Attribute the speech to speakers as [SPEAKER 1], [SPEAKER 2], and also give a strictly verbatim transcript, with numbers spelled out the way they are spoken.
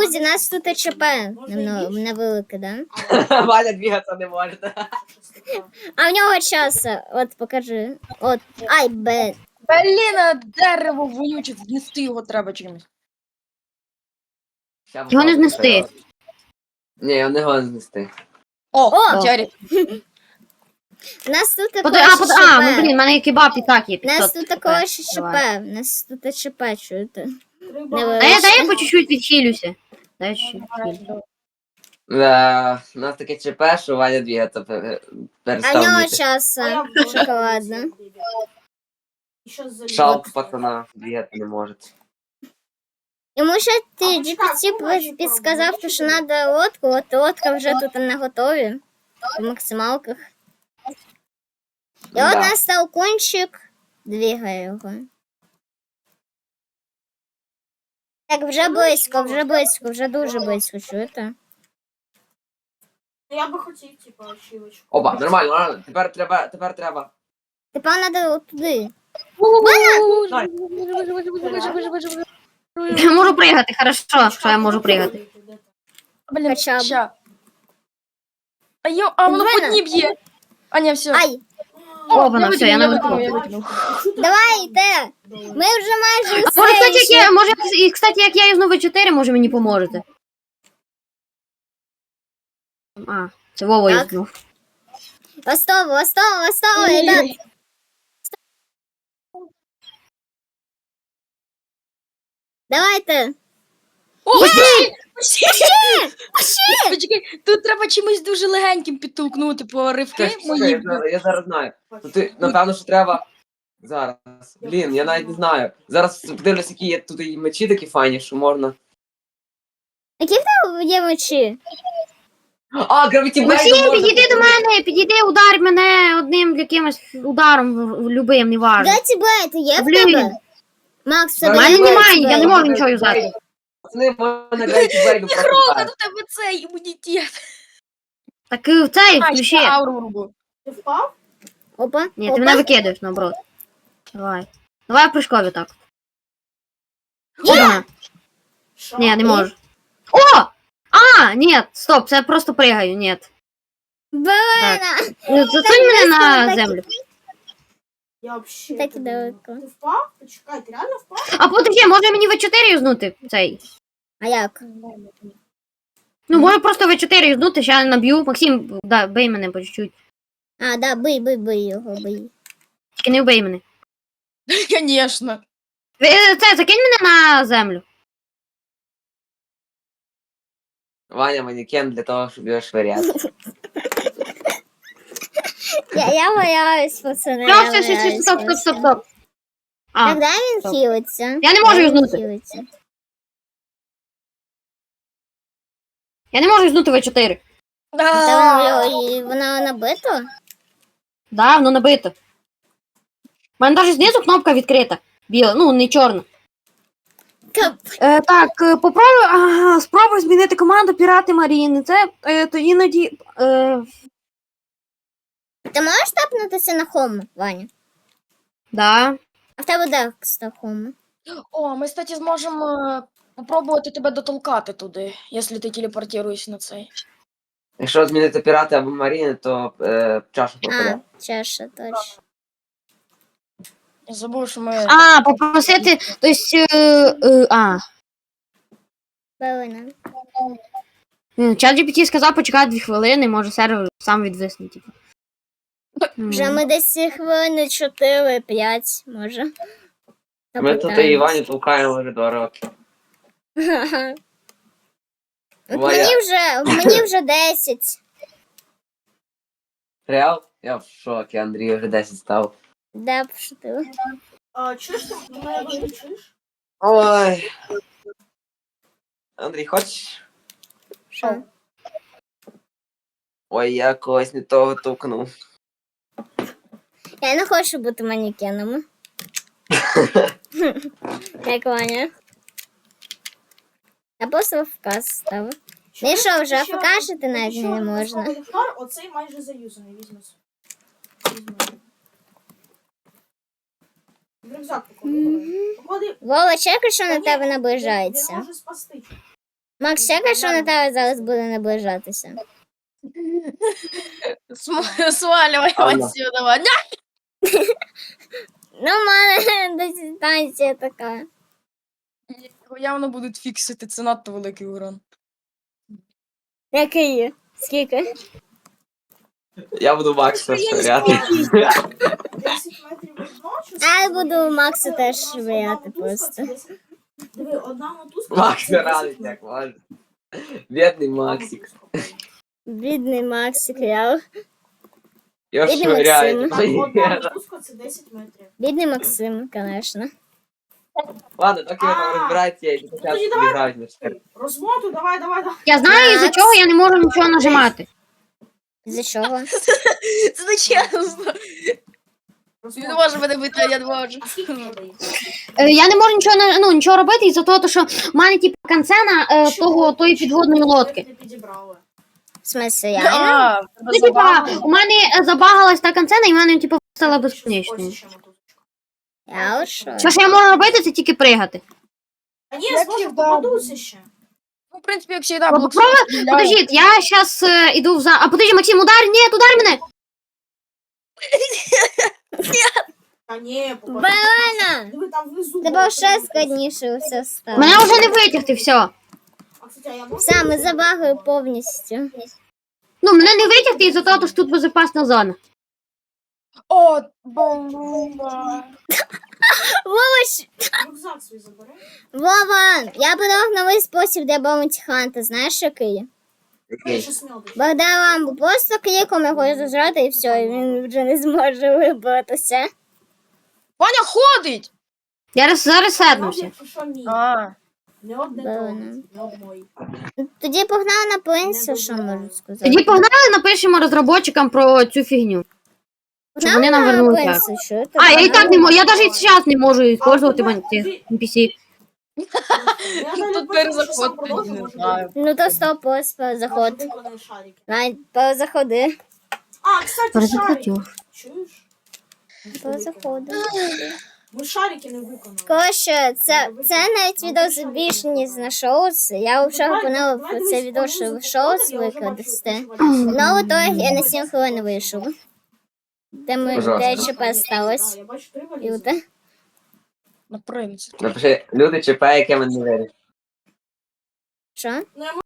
[SPEAKER 1] друзі, нас тут ЧП. Немно- Невелике, да?
[SPEAKER 2] Ваня двигаться не може.
[SPEAKER 1] А в нього час. От, покажи. От. Ай, бе.
[SPEAKER 3] Блін, а дерево вонюче, знести його треба чимось.
[SPEAKER 2] Ща
[SPEAKER 4] Його не
[SPEAKER 2] попробую,
[SPEAKER 4] знести.
[SPEAKER 2] що. Ні, його не його знести.
[SPEAKER 3] О,
[SPEAKER 1] О!
[SPEAKER 3] Ярик.
[SPEAKER 1] Нас тут
[SPEAKER 4] Под...
[SPEAKER 1] також
[SPEAKER 4] А, под... а, ну
[SPEAKER 1] ЧП.
[SPEAKER 4] блін, в мене кебаб і так є.
[SPEAKER 1] Нас
[SPEAKER 4] п'ятсот
[SPEAKER 1] тут
[SPEAKER 4] хп.
[SPEAKER 1] також ЧП.
[SPEAKER 4] Давай.
[SPEAKER 1] Нас тут ЧП, чуєте?
[SPEAKER 4] Дай, я- дай я по чуть-чуть відхилюся. Дай чуть-чуть відхилюся.
[SPEAKER 2] Да, у нас таке ЧП, що Ваня двигаться пе-
[SPEAKER 1] А в
[SPEAKER 2] перестав
[SPEAKER 1] нього
[SPEAKER 2] вміти.
[SPEAKER 1] час. Шоколадно.
[SPEAKER 2] Шалк пацана двигаться не може.
[SPEAKER 1] Йому ще ти джі пі ті підсказав, що треба лодку, от лодка вже тут на готові. По максималках. І от
[SPEAKER 2] Да.
[SPEAKER 1] нас толкунчик двигає його. Так, вже близько, вже близько, вже дуже близько, чуєте?
[SPEAKER 5] Я би хотів, типу, ачівочку.
[SPEAKER 2] Опа, нормально, нормально. Тепер треба, тепер треба.
[SPEAKER 1] Тепер треба туди.
[SPEAKER 4] Я можу пригати, хорошо, що я можу пригати.
[SPEAKER 3] Блін,
[SPEAKER 1] Хоча б.
[SPEAKER 3] ща. А, йо, а воно
[SPEAKER 1] Мене.
[SPEAKER 3] по дні б'є. А, ні, все.
[SPEAKER 1] Ай,
[SPEAKER 4] О, воно, все, я
[SPEAKER 3] викинув,
[SPEAKER 4] навикнув.
[SPEAKER 3] я викинув.
[SPEAKER 1] давайте! Ми вже майже
[SPEAKER 4] А
[SPEAKER 1] все.
[SPEAKER 4] може, кстати, як
[SPEAKER 1] ще-
[SPEAKER 4] я, може, і, кстати, як я юзну ве чотири, може мені поможете. А, це Вова
[SPEAKER 1] Так.
[SPEAKER 4] юзнув.
[SPEAKER 1] Востов, Востов, Востов, ребят. Давайте.
[SPEAKER 3] О, почти! Почти! Почекай, тут треба чимось дуже легеньким підтолкнути по ривки
[SPEAKER 2] Чекай,
[SPEAKER 3] мої.
[SPEAKER 2] я, зараз, я зараз знаю. Ну, ти, напевно, що треба. Зараз. Блін, я навіть не знаю. Зараз подивлюсь, які є тут і мечі такі файні, що можна.
[SPEAKER 1] Які в тебе є мечі?
[SPEAKER 2] А, гравіті
[SPEAKER 4] Максим, підійди до мене, підійди, удар мене одним якимось ударом в- в- любим, неважно.
[SPEAKER 1] Геті Блейд є в
[SPEAKER 4] Блін.
[SPEAKER 1] тебе? Макс, в
[SPEAKER 4] У
[SPEAKER 1] тебе
[SPEAKER 4] мене
[SPEAKER 1] є
[SPEAKER 4] немає,
[SPEAKER 1] Геті
[SPEAKER 4] я не
[SPEAKER 1] Блейд?
[SPEAKER 4] можу нічого юзати.
[SPEAKER 2] Пацани, можна гравіті блейду
[SPEAKER 3] Рока,
[SPEAKER 2] просто.
[SPEAKER 3] до тебе цей імунітет.
[SPEAKER 4] Так і в цей
[SPEAKER 3] А,
[SPEAKER 4] включи.
[SPEAKER 3] ще ауру врубу.
[SPEAKER 5] Ти впав?
[SPEAKER 1] Опа,
[SPEAKER 4] Ні, ти
[SPEAKER 1] опа.
[SPEAKER 4] мене викидаєш, наоборот. Давай. Давай в прыжкові так. Опа.
[SPEAKER 5] Що?
[SPEAKER 4] Ні, не можу. О! А, ні, стоп, це я просто пригаю, ні.
[SPEAKER 1] Блина.
[SPEAKER 4] Засунь мене на
[SPEAKER 1] так-
[SPEAKER 4] землю.
[SPEAKER 5] Я вообще...
[SPEAKER 1] Так
[SPEAKER 5] тебе-
[SPEAKER 1] далеко.
[SPEAKER 5] Ти впав? Почекай, ти реально впав?
[SPEAKER 4] А подожди, може мені ве чотири юзнути цей?
[SPEAKER 1] А як?
[SPEAKER 4] Ну, може просто ве чотири юзнути, ще наб'ю. Максим, да, бий мене по чуть-чуть.
[SPEAKER 1] А, да, бий, бий, бий його, бий.
[SPEAKER 4] Тільки не вбий мене.
[SPEAKER 3] Конечно.
[SPEAKER 4] Ви- Це, закинь мене на землю.
[SPEAKER 2] Ваня манікен для того, щоб його швиряти.
[SPEAKER 1] Я, я боялась, пацани.
[SPEAKER 4] Все,
[SPEAKER 1] я
[SPEAKER 4] все, все, все,
[SPEAKER 1] боялась,
[SPEAKER 4] стоп, стоп, стоп, стоп. А,
[SPEAKER 1] Так, дай він
[SPEAKER 4] стоп.
[SPEAKER 1] хілиться.
[SPEAKER 4] Я не можу
[SPEAKER 1] Дай він
[SPEAKER 4] юзнути.
[SPEAKER 1] хілиться.
[SPEAKER 4] я не можу юзнути ве чотири.
[SPEAKER 1] Та воно, і воно набито?
[SPEAKER 4] Да, воно набито. У мене навіть знизу кнопка відкрита. Біла, ну, не чорна.
[SPEAKER 1] Кап.
[SPEAKER 4] Е, так, е, попробуй, ага, спробуй змінити команду Пірати Маріни. Це е, то іноді. Е,
[SPEAKER 1] Ти можеш тапнутися на хому, Ваня?
[SPEAKER 4] да.
[SPEAKER 1] А в тебе де на хому?
[SPEAKER 3] О, ми, кстати, зможемо е, попробувати тебе дотолкати туди, якщо ти телепортуєшся на цей.
[SPEAKER 2] Якщо змінити пірати або маріни, то е, чаша
[SPEAKER 1] А,
[SPEAKER 2] пропаде.
[SPEAKER 1] чаша, точно.
[SPEAKER 3] Я забув, що ми.
[SPEAKER 4] А, попросити. Тобто. Е, е, а.
[SPEAKER 1] Блина.
[SPEAKER 4] Чат джі пі ті сказав почекати дві хвилини, може сервер сам відвисне, типу.
[SPEAKER 1] Вже ми десь хвилини чотири-п'ять, може.
[SPEAKER 2] Ми тут і Івані толкаємо вже два роки.
[SPEAKER 1] Ха-ха. От
[SPEAKER 2] Ваня.
[SPEAKER 1] мені вже, мені вже десять.
[SPEAKER 2] Реал? Я в шокі, Андрій вже десять став.
[SPEAKER 1] Да, пошутила.
[SPEAKER 5] А, чуєш ти? Ти мене не чуєш?
[SPEAKER 2] Ой. Андрій, хочеш?
[SPEAKER 1] Що?
[SPEAKER 2] Ой, я когось не того тукнув.
[SPEAKER 1] Я не хочу бути манекеном. Як Ваня. Я просто вказ ставив. Ну і що, вже
[SPEAKER 5] Ще
[SPEAKER 1] покажете
[SPEAKER 5] один-
[SPEAKER 1] навіть
[SPEAKER 5] ще
[SPEAKER 1] не
[SPEAKER 5] один
[SPEAKER 1] можна.
[SPEAKER 5] військовий флар, оцей майже заюзаний, візьми. Візьми. В рюкзак поклади. Поклади.
[SPEAKER 1] Вова, чекай, що на
[SPEAKER 5] Та ні,
[SPEAKER 1] тебе
[SPEAKER 5] Він
[SPEAKER 1] наближається.
[SPEAKER 5] може спасти.
[SPEAKER 1] Макс, чекай, що на тебе зараз буде наближатися.
[SPEAKER 3] См- Сваливай
[SPEAKER 2] Алло.
[SPEAKER 3] отсюда. Ня!
[SPEAKER 1] Ну, в мене дистанція така.
[SPEAKER 3] Його явно будуть фіксити, це надто великий урон.
[SPEAKER 1] Який? Скільки?
[SPEAKER 2] Я буду Макса швиряти.
[SPEAKER 5] десять метрів одно, чи
[SPEAKER 1] А я
[SPEAKER 5] скільки?
[SPEAKER 1] буду Максу теж
[SPEAKER 5] Одна
[SPEAKER 1] швиряти
[SPEAKER 5] мотузка
[SPEAKER 1] просто.
[SPEAKER 5] це десять. Диви, одна мотузка.
[SPEAKER 2] Макс
[SPEAKER 5] це десять
[SPEAKER 2] радить,
[SPEAKER 5] метрів.
[SPEAKER 2] як може. Бідний Максик.
[SPEAKER 1] Бідний Максик, я.
[SPEAKER 2] Його
[SPEAKER 1] Бідний
[SPEAKER 2] швиряють.
[SPEAKER 5] Так, одна мотузка це десять метрів.
[SPEAKER 1] Бідний Максим, звісно.
[SPEAKER 2] Ладно, доки ви там
[SPEAKER 5] А,
[SPEAKER 2] розбираєтеся, я йду
[SPEAKER 5] тоді
[SPEAKER 2] почати
[SPEAKER 5] давай.
[SPEAKER 2] грають на штир.
[SPEAKER 5] Розмоту, давай, давай, давай.
[SPEAKER 4] Я знаю, із-за
[SPEAKER 1] Макс.
[SPEAKER 4] чого я не можу нічого нажимати.
[SPEAKER 1] За чого?
[SPEAKER 3] Це не чесно. Він не може мене бити, а я не можу.
[SPEAKER 5] А скільки тебе дає?
[SPEAKER 4] Е, Я не можу нічого на- ну, нічого робити із-за того, що в мене типу канцена е, того тої підводної лодки.
[SPEAKER 5] Не підібрали.
[SPEAKER 1] В смысле, я?
[SPEAKER 3] А, в тебе
[SPEAKER 4] Ну, типа,
[SPEAKER 3] забагато.
[SPEAKER 4] у мене е, забагалась та канцена, і в мене типу стала безконечною.
[SPEAKER 5] Ось ще мотузочка.
[SPEAKER 1] Я що?
[SPEAKER 4] Все, що я можу робити, це тільки пригати.
[SPEAKER 5] А ні,
[SPEAKER 3] Як
[SPEAKER 5] зможу,
[SPEAKER 3] завжди.
[SPEAKER 5] попадуся ще.
[SPEAKER 3] Ну, в принципі, як завжди,
[SPEAKER 4] Ну,
[SPEAKER 3] блок
[SPEAKER 4] попробуй,
[SPEAKER 3] стріляє.
[SPEAKER 4] Подождіть, я зараз е, іду в за. А подожди, Максим, удар, ні, удар мене!
[SPEAKER 5] Та ні, попадуся.
[SPEAKER 1] Балена!
[SPEAKER 5] Диви, там внизу.
[SPEAKER 1] Тебе ще складніше все стало.
[SPEAKER 4] Мене вже не витягти, все.
[SPEAKER 5] А, кстати, а я можу?
[SPEAKER 1] Все, ми забагою повністю.
[SPEAKER 4] Ну, мене не витягти із-за того, що тут безпечна зона.
[SPEAKER 3] О, бомба.
[SPEAKER 1] Вова, щ-
[SPEAKER 5] Рюкзак свій забери.
[SPEAKER 1] Вова, я подав новий спосіб для баунті-ханта, знаєш який?
[SPEAKER 5] Я
[SPEAKER 2] Окей.
[SPEAKER 5] ще смілдиш.
[SPEAKER 1] Богдан ламбу просто кліком його зажрати і все, і він вже не зможе вибратися.
[SPEAKER 3] Ваня ходить!
[SPEAKER 4] Я роз- зараз седнувся.
[SPEAKER 5] Якщо що, ні.
[SPEAKER 3] А,
[SPEAKER 5] Не одне
[SPEAKER 1] Балена.
[SPEAKER 5] трогать, не одної.
[SPEAKER 1] Тоді погнав на пенсію,
[SPEAKER 5] Не
[SPEAKER 1] що
[SPEAKER 5] дозволяю.
[SPEAKER 1] можу сказати.
[SPEAKER 4] Тоді погнали, напишемо розробникам про цю фігню. щоб вони нам вернули так.
[SPEAKER 1] пенсію, що ти?
[SPEAKER 4] А, я і так не можу, я
[SPEAKER 5] Давай.
[SPEAKER 4] навіть зараз не можу використовувати
[SPEAKER 5] давай,
[SPEAKER 4] цих
[SPEAKER 5] ти-
[SPEAKER 4] ен пі сі.
[SPEAKER 5] Я
[SPEAKER 3] Тут
[SPEAKER 5] навіть
[SPEAKER 3] тепер
[SPEAKER 5] бачу, що сам
[SPEAKER 3] заход,
[SPEAKER 5] продовжу,
[SPEAKER 3] не
[SPEAKER 5] може,
[SPEAKER 3] знаю.
[SPEAKER 1] Ну то стоп, ось заход.
[SPEAKER 5] Може, виконаю шарики.
[SPEAKER 1] Навіть перезаходи.
[SPEAKER 5] А, кстати, шарики.
[SPEAKER 4] Перезахотів.
[SPEAKER 5] Чуєш?
[SPEAKER 1] Перезаходи.
[SPEAKER 5] Ми шарики не виконали.
[SPEAKER 1] Коротше, це, це навіть відео більше, ніж на шоус. Я вчора планувала про це відео, що в шоус викладати. Ну, в итоге я на сім хвилин вийшов. Де ми
[SPEAKER 2] Ужасно.
[SPEAKER 1] де ЧП сталося.
[SPEAKER 5] Я бачу три
[SPEAKER 1] І
[SPEAKER 5] валізи.
[SPEAKER 1] оте.
[SPEAKER 3] на принцип.
[SPEAKER 2] Напиши, люди ЧП, яке мене не вирішить.
[SPEAKER 1] Що?
[SPEAKER 5] Ну, я